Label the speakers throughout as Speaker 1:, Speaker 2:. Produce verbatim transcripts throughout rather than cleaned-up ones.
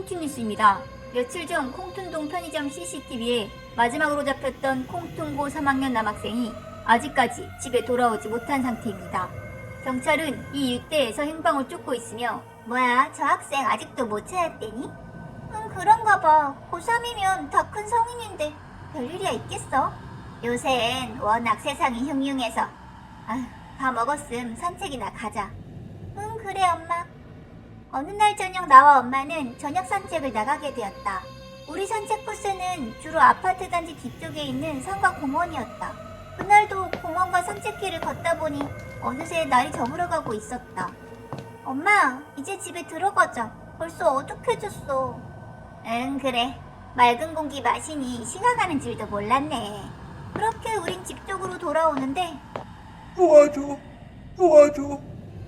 Speaker 1: 콩튠 뉴스입니다. 며칠 전 콩튠동 편의점 씨씨티비에 마지막으로 잡혔던 콩튠고 삼 학년 남학생이 아직까지 집에 돌아오지 못한 상태입니다. 경찰은 이 일대에서 행방을 쫓고 있으며
Speaker 2: 뭐야, 저 학생 아직도 못 찾았대니? 응, 그런가 봐. 고삼이면 다 큰 성인인데 별일이야 있겠어? 요샌 워낙 세상이 흉흉해서. 아휴, 다 먹었음 산책이나 가자. 응, 그래 엄마. 어느 날 저녁 나와 엄마는 저녁 산책을 나가게 되었다. 우리 산책 코스는 주로 아파트 단지 뒤쪽에 있는 산과 공원이었다. 그날도 공원과 산책길을 걷다 보니 어느새 날이 저물어가고 있었다. 엄마, 이제 집에 들어가자. 벌써 어둑해졌어. 응, 그래. 맑은 공기 마시니 시간 가는 줄도 몰랐네. 그렇게 우린 집 쪽으로 돌아오는데
Speaker 3: 도와줘, 도와줘.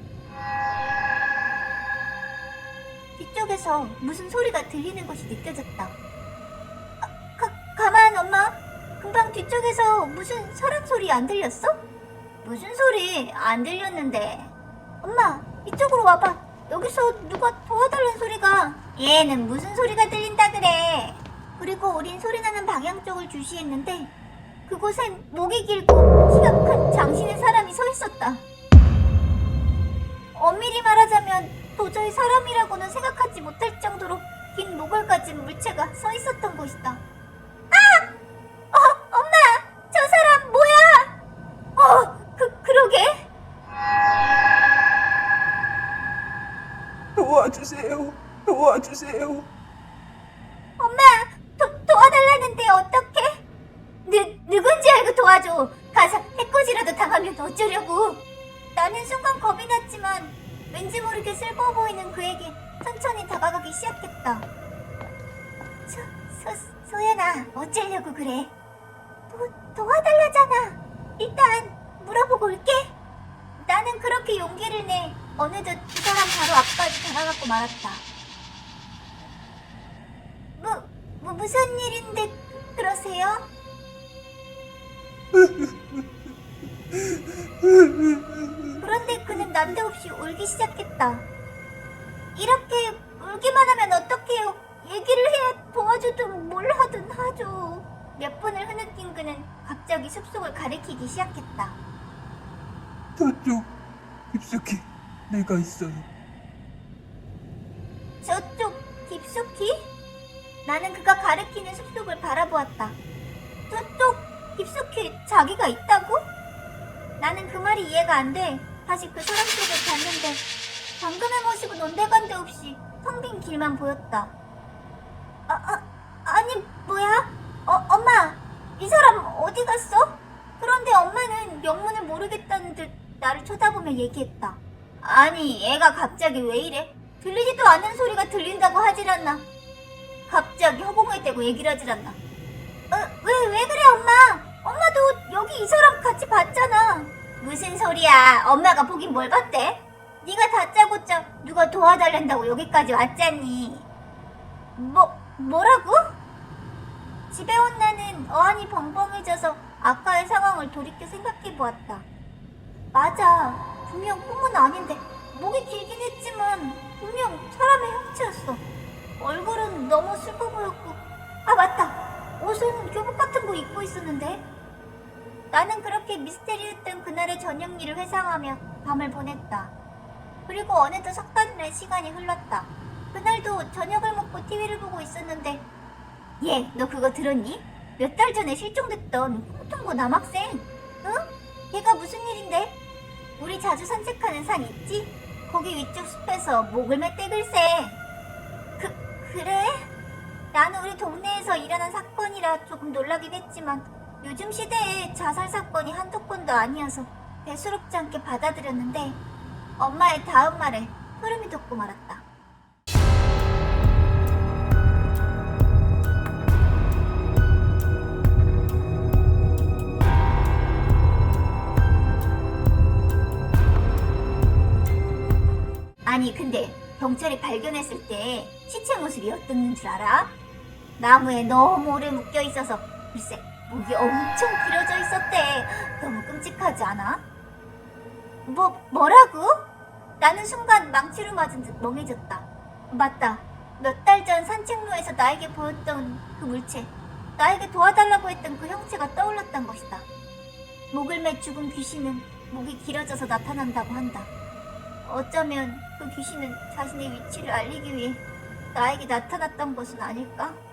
Speaker 2: 뒤쪽에서 무슨 소리가 들리는 것이 느껴졌다. 아, 가, 가만 엄마. 금방 뒤쪽에서 무슨 사람 소리 안 들렸어? 무슨 소리 안 들렸는데. 엄마, 이쪽으로 와봐. 여기서 누가 도와달라는 소리가. 얘는 무슨 소리가 들린다 그래. 그리고 우린 소리나는 방향 쪽을 주시했는데 그곳엔 목이 길고 키가 큰 장신의 사람이 서 있었다. 엄밀히 말하자면 도저히 사람이라고는 생각하지 못할 정도로 긴 목을 가진 물체가 서 있었던 곳이다. 아! 어, 엄마! 저 사람 뭐야? 어, 그, 그러게.
Speaker 3: 도와주세요, 도와주세요.
Speaker 2: 엄마! 도, 도와달라는데 어떡해? 누, 누군지 알고 도와줘. 가서 해코지라도 당하면 어쩌려고. 나는 순간 겁이 났지만 왠지 모르게 슬퍼 보이는 그에게 천천히 다가가기 시작했다. 소, 소, 소연아, 어쩌려고 그래? 도, 도와달라잖아. 일단 물어보고 올게. 나는 그렇게 용기를 내 어느덧 두 사람 바로 앞까지 다가갔고 말았다. 뭐, 뭐 무슨 일인데 그러세요? 그런데 그는 난데없이 울기 시작했다. 이렇게 울기만 하면 어떡해요? 얘기를 해야 도와주든 뭘 하든 하죠. 몇 분을 흐느낀 그는 갑자기 숲속을 가리키기 시작했다.
Speaker 3: 저쪽 깊숙이 내가 있어요.
Speaker 2: 저쪽 깊숙이? 나는 그가 가리키는 숲속을 바라보았다. 저쪽 깊숙이 자기가 있다고? 나는 그 말이 이해가 안 돼. 다시 그 사람 쪽을 봤는데 방금의 모습은 온데간데 없이 텅 빈 길만 보였다. 아, 아, 아니 뭐야? 어, 엄마, 이 사람 어디 갔어? 그런데 엄마는 영문을 모르겠다는 듯 나를 쳐다보며 얘기했다. 아니, 얘가 갑자기 왜 이래? 들리지도 않는 소리가 들린다고 하질 않나? 갑자기 허공을 떼고 얘기를 하질 않나? 어, 왜, 왜 그래 엄마? 엄마도 여기 이 사람 같이 봤잖아. 무슨 소리야? 엄마가 보긴 뭘 봤대? 네가 다짜고짜 누가 도와달란다고 여기까지 왔잖니. 뭐, 뭐라고? 집에 온 나는 어안이 벙벙해져서 아까의 상황을 돌이켜 생각해보았다. 맞아, 분명 꿈은 아닌데 목이 길긴 했지만 분명 사람의 형체였어. 얼굴은 너무 슬퍼 보였고, 아 맞다, 옷은 교복 같은 거 입고 있었는데. 나는 그렇게 미스테리했던 그날의 저녁 일을 회상하며 밤을 보냈다. 그리고 어느덧 석 달이나 시간이 흘렀다. 그날도 저녁을 먹고 티비를 보고 있었는데, 얘, 너 그거 들었니? 몇 달 전에 실종됐던 콩튠고 남학생. 응? 걔가 무슨 일인데? 우리 자주 산책하는 산 있지? 거기 위쪽 숲에서 목을 매떼글쎄. 그, 그래? 나는 우리 동네에서 일어난 사건이라 조금 놀라긴 했지만 요즘 시대에 자살 사건이 한두 건도 아니어서 대수롭지 않게 받아들였는데 엄마의 다음 말에 소름이 돋고 말았다. 아니 근데 경찰이 발견했을 때 시체 모습이 어땠는 줄 알아? 나무에 너무 오래 묶여 있어서 글쎄 목이 엄청 길어져 있었대. 너무 끔찍하지 않아? 뭐, 뭐라고? 나는 순간 망치로 맞은 듯 멍해졌다. 맞다. 몇 달 전 산책로에서 나에게 보였던 그 물체, 나에게 도와달라고 했던 그 형체가 떠올랐던 것이다. 목을 매 죽은 귀신은 목이 길어져서 나타난다고 한다. 어쩌면 그 귀신은 자신의 위치를 알리기 위해 나에게 나타났던 것은 아닐까?